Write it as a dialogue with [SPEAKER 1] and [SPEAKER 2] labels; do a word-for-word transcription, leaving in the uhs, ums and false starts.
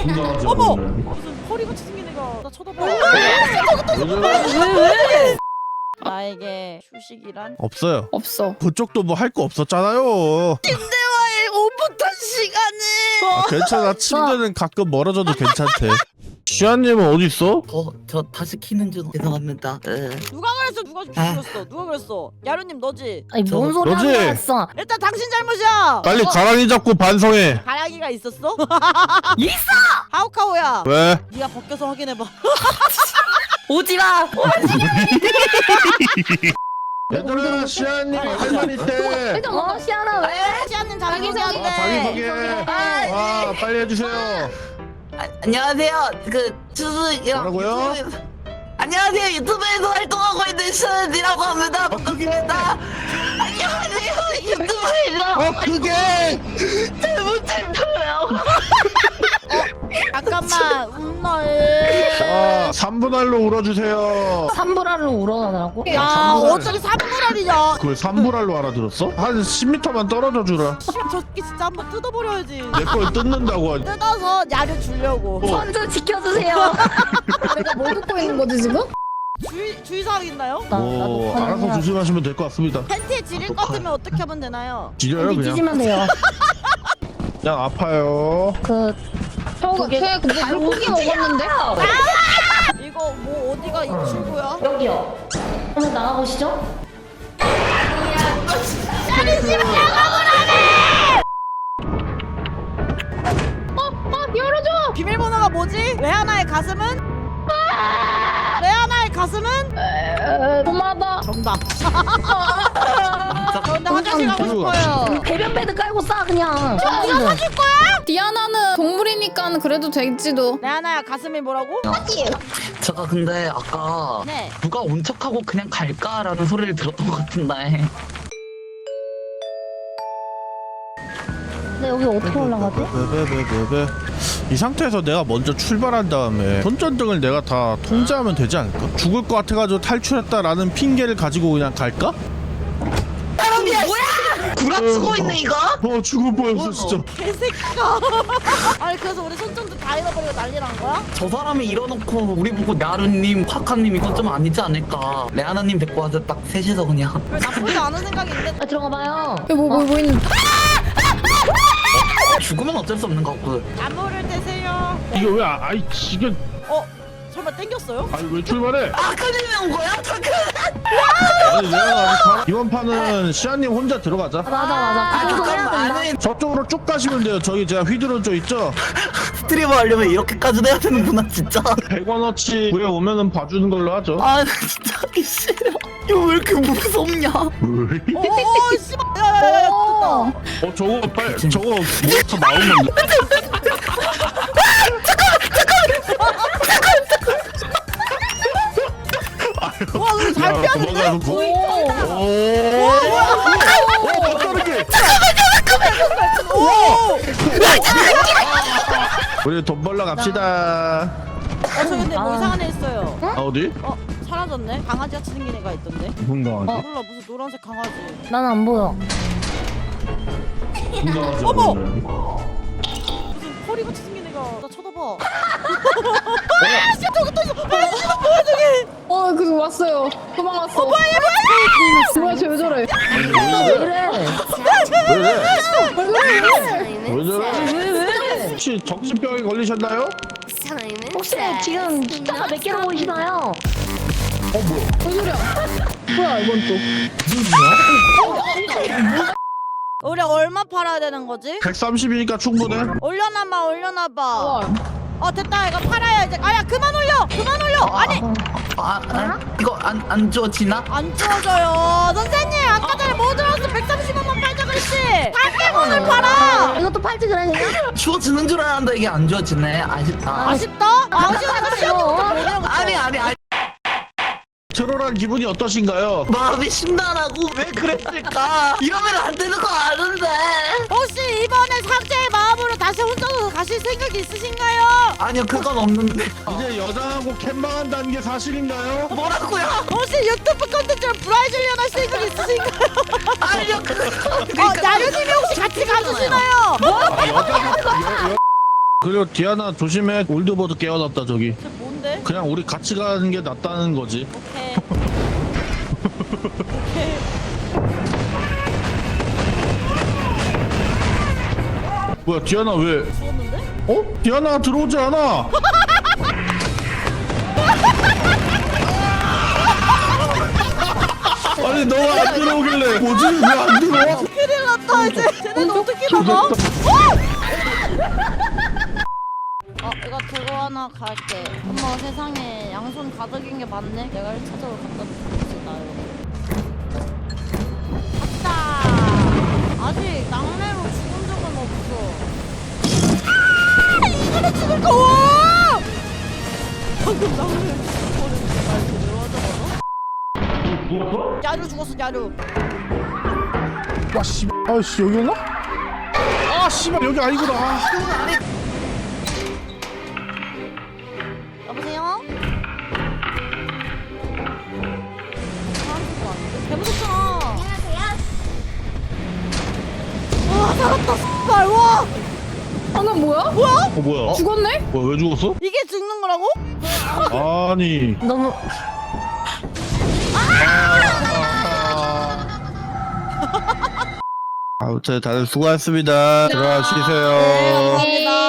[SPEAKER 1] 어머! 무슨 허리같이 생긴 애가 나 쳐다봐.
[SPEAKER 2] 왜?
[SPEAKER 1] 나에게 휴식이란?
[SPEAKER 3] 없어요.
[SPEAKER 2] 없어.
[SPEAKER 3] 그쪽도 뭐 할 거 없었잖아요.
[SPEAKER 1] 침대와의 오붓한 시간을.
[SPEAKER 3] 아, 괜찮아. 침대는 가끔 멀어져도 괜찮대. 시아님은 어디 있어?
[SPEAKER 4] 어, 저 다시 키는 중 죄송합니다. 네.
[SPEAKER 1] 누가 그랬어? 누가 죽였어? 누가 그랬어? 야루님 너지?
[SPEAKER 2] 아니 뭔 소리
[SPEAKER 3] 너지?
[SPEAKER 2] 하는 거였어?
[SPEAKER 1] 일단 당신 잘못이야.
[SPEAKER 3] 빨리
[SPEAKER 1] 어,
[SPEAKER 3] 가랑이 잡고 반성해.
[SPEAKER 1] 가랑이가 있었어?
[SPEAKER 2] 있어!
[SPEAKER 1] 하우카오야.
[SPEAKER 3] 왜?
[SPEAKER 1] 네가 벗겨서 확인해봐.
[SPEAKER 2] 오지 마.
[SPEAKER 3] 얘들아, 시아님 할 말 있대.
[SPEAKER 2] 어 시아나 왜?
[SPEAKER 1] 시아님
[SPEAKER 2] 자기
[SPEAKER 1] 자기
[SPEAKER 2] 소개.
[SPEAKER 3] 아, 자기
[SPEAKER 1] 소개한대.
[SPEAKER 3] 소개. 아, 빨리 해주세요.
[SPEAKER 4] 아, 안녕하세요. 그 추수
[SPEAKER 3] 뭐라고요?
[SPEAKER 4] 유튜브- 안녕하세요. 유튜브에서 활동하고 있는 션이라고 합니다. 반갑습니다. 안녕하세요. 유튜브에서
[SPEAKER 3] 어, 그게
[SPEAKER 4] 잘못했어요.
[SPEAKER 1] 잠깐만 운널.
[SPEAKER 3] 아, 삼 분 할로 울어주세요.
[SPEAKER 2] 삼불알로 울어나라고?
[SPEAKER 1] 야
[SPEAKER 3] 삼분할.
[SPEAKER 1] 어떻게 삼분할이냐?
[SPEAKER 3] 그걸 삼 분 할로 알아들었어? 한 십 미터만 떨어져 주라.
[SPEAKER 1] 저 새끼 진짜 한번 뜯어버려야지.
[SPEAKER 3] 내 걸 뜯는다고 하지.
[SPEAKER 1] 뜯어서 야를 주려고.
[SPEAKER 3] 어.
[SPEAKER 2] 선좀 지켜주세요.
[SPEAKER 5] 내가 뭐 듣고 있는 거지 지금?
[SPEAKER 1] 주의 주의사항 있나요?
[SPEAKER 2] 나-
[SPEAKER 3] 뭐
[SPEAKER 2] 나도
[SPEAKER 3] 알아서
[SPEAKER 2] 화내면
[SPEAKER 3] 조심하시면 될 것 같습니다.
[SPEAKER 1] 팬티에 지릴 것 같으면 어떻게 하면 되나요?
[SPEAKER 3] 지려요
[SPEAKER 2] 팬티
[SPEAKER 3] 그냥.
[SPEAKER 2] 찢으면 돼요.
[SPEAKER 3] 그냥 아파요.
[SPEAKER 2] 그
[SPEAKER 5] 저거
[SPEAKER 2] 그게-
[SPEAKER 5] 쟤 근데 물고기 먹었는데?
[SPEAKER 1] 이거 뭐 어디가 이 출구야?
[SPEAKER 2] 여기요. 한번 나가보시죠.
[SPEAKER 5] 어 열어줘!
[SPEAKER 1] 비밀번호가 뭐지? 레아나의 가슴은? 레아나의 가슴은?
[SPEAKER 5] 에, 도마다.
[SPEAKER 1] 정답. 저 근데 화장실 가고 싶어요.
[SPEAKER 2] 배변 패드 깔고 싸 그냥.
[SPEAKER 1] 네가 사줄 거야?
[SPEAKER 5] 디아나는 동물이니까 그래도 될지도.
[SPEAKER 1] 레아나야 가슴이 뭐라고?
[SPEAKER 4] 제가 근데 아까
[SPEAKER 1] 네.
[SPEAKER 4] 누가 온 척하고 그냥 갈까라는 소리를 들었던 것 같은데.
[SPEAKER 2] 근데 여기 어떻게 올라가지?
[SPEAKER 3] 베베베베베. 이 상태에서 내가 먼저 출발한 다음에 손전등을 내가 다 통제하면 되지 않을까? 죽을 것 같아가지고 탈출했다라는 핑계를 가지고 그냥 갈까?
[SPEAKER 4] 구라 쓰고 있네 이거?
[SPEAKER 3] 어 죽을 뻔했어 진짜.
[SPEAKER 1] 개새끼가. 아니 그래서 우리 손전등 다 잃어버리고 난리 난 거야?
[SPEAKER 4] 저 사람이 일어놓고 우리 보고 나루님, 화카님 이건 좀 아니지 않을까? 레아나님 데리고 와서 딱 셋이서 그냥.
[SPEAKER 1] 왜 나쁘지 않은 생각인데?
[SPEAKER 2] 아 들어가 봐요.
[SPEAKER 5] 여기 뭐, 뭐, 뭐 있는.
[SPEAKER 4] 죽으면 어쩔 수 없는 거고.
[SPEAKER 1] 나무를 대세요.
[SPEAKER 3] 이게 왜 아, 아이 지금
[SPEAKER 1] 어? 설마 땡겼어요?
[SPEAKER 3] 아니 왜 출발해?
[SPEAKER 4] 아까님이 온 거야? 잠깐.
[SPEAKER 3] 아니 내가 아직 가- 이번 판은 시아님 혼자 들어가자.
[SPEAKER 2] 맞아 맞아.
[SPEAKER 4] 아
[SPEAKER 2] 그 정도 해야
[SPEAKER 4] 잠깐만.
[SPEAKER 2] 된다.
[SPEAKER 4] 아니
[SPEAKER 3] 저쪽으로 쭉 가시면 돼요. 저기 제가 휘두르져 있죠?
[SPEAKER 4] 스트리머 하려면 이렇게까지 해야 되는구나 진짜.
[SPEAKER 3] 백 원어치 구에 오면은 봐주는 걸로 하죠.
[SPEAKER 4] 아 나 진짜 하기 싫어. 이거 왜 이렇게 무섭냐?
[SPEAKER 1] 오 씨발. 야야야야 뜯다.
[SPEAKER 3] 어 저거 빨 저거 몬스터 나오면
[SPEAKER 1] 와 우리 잘
[SPEAKER 3] 야,
[SPEAKER 1] 피하는데?
[SPEAKER 3] 도망가서 구-
[SPEAKER 1] 오.
[SPEAKER 3] 오. 어 박다르게.
[SPEAKER 1] 오.
[SPEAKER 3] 우리 돈 벌러 갑시다.
[SPEAKER 1] 어, 저 근데 뭐
[SPEAKER 2] 아.
[SPEAKER 1] 이상한 애 있어요.
[SPEAKER 3] 아 어디?
[SPEAKER 1] 어, 사라졌네. 강아지 같이 생긴 애가 있던데.
[SPEAKER 3] 무슨 강아지?
[SPEAKER 1] 몰라 무슨 노란색 강아지.
[SPEAKER 2] 난 안 보여.
[SPEAKER 1] 어머! 무슨 허리 같이 생긴 애가 나 쳐다봐. 아, 씨, 저기 또 있어. 아, 씨, 뭐야 저기?
[SPEAKER 5] 어 그거 왔어요. 도망갔어. 어 뭐야 뭐야 쟤 왜 저래?
[SPEAKER 2] 왜 이래?
[SPEAKER 3] 왜 이래?
[SPEAKER 5] 왜
[SPEAKER 3] 왜 저래?
[SPEAKER 2] 왜 왜?
[SPEAKER 3] 혹시 정신병에 걸리셨나요?
[SPEAKER 2] 혹시 지금 숫자가 몇 개로 보이시나요?
[SPEAKER 5] 소리야? 뭐야 이건 또?
[SPEAKER 1] 우리 얼마 팔아야 되는 거지?
[SPEAKER 3] 백삼십이니까 충분해.
[SPEAKER 1] 올려놔봐 올려놔봐.
[SPEAKER 5] 와.
[SPEAKER 1] 어 됐다 이거 팔아야 이제. 아야 그만 올려 그만 올려. 아니
[SPEAKER 4] 아, 아 이거 안 안 주어지나?
[SPEAKER 1] 안 주워져요. 선생님 아까 전에 뭐 들었어? 백삼십 원만 팔자 그랬지. 팔백 원을 팔아.
[SPEAKER 2] 이것도 팔지 그래 그냥?
[SPEAKER 4] 주어지는 줄 알았는데 이게 안 주어지네. 아쉽다.
[SPEAKER 1] 아쉽다. 아쉬워서 시험부터 못 내는 거.
[SPEAKER 4] 아니 아니 아니.
[SPEAKER 3] 트롤한 기분이 어떠신가요?
[SPEAKER 4] 마음이 심란하고 왜 그랬을까? 이러면 안 되는 거 아는데.
[SPEAKER 1] 혹시 이번에 삭제의 마음으로 다시 혼자서 가실 생각이 있으신가요?
[SPEAKER 4] 아니요 그건 없는데.
[SPEAKER 3] 이제 여장하고 캔망한다는 게 사실인가요?
[SPEAKER 4] 뭐라고요?
[SPEAKER 1] 혹시 유튜브 컨텐츠를 브라이즐리언 할 생각 있으신가요?
[SPEAKER 4] 아니요 그건.
[SPEAKER 1] 어, 나루님이 혹시 같이 가주시나요?
[SPEAKER 3] 아, 여장 여, 여, 그리고 디아나 조심해. 올드보드 깨어났다 저기.
[SPEAKER 1] 쟤 뭔데?
[SPEAKER 3] 그냥 우리 같이 가는 게 낫다는 거지.
[SPEAKER 1] 오케이. 오케이.
[SPEAKER 3] 뭐야 디아나 왜?
[SPEAKER 1] 죽었는데?
[SPEAKER 3] 어? 디아나가 들어오지 않아. 아니 너가 안 들어오길래 뭐지? 왜 안 들어와?
[SPEAKER 1] 큰일 났다 이제. 쟤네는 어떻게 나가? 어? 어 이거 들고 하나 갈게. 어머 세상에 양손 가득인 게 많네. 내가 일 차적으로 갖다 줍시다 이거. 갔다. 아직 낙뢰로 죽은 적은 없어. 아! 이거는 죽을 거 와! 방금 낙뢰로 죽어버렸는데 날 제대로 하자마자?
[SPEAKER 3] 누웠어?
[SPEAKER 1] 야루 죽었어 야루.
[SPEAKER 3] 와 씨. 아씨 여기였나? 아 씨발 여기 아니구나. 아.
[SPEAKER 1] 여보세요? 사람들도 아닌데? 개무섭잖아. 와 살았다 씨발 와
[SPEAKER 5] 방금 뭐야?
[SPEAKER 1] 뭐야?
[SPEAKER 3] 어 뭐야?
[SPEAKER 5] 죽었네?
[SPEAKER 3] 뭐야 왜 죽었어?
[SPEAKER 1] 이게 죽는 거라고?
[SPEAKER 3] 아니.
[SPEAKER 2] 너무
[SPEAKER 3] 아무튼 다들 수고하셨습니다. 들어가시세요.
[SPEAKER 1] 네 감사합니다.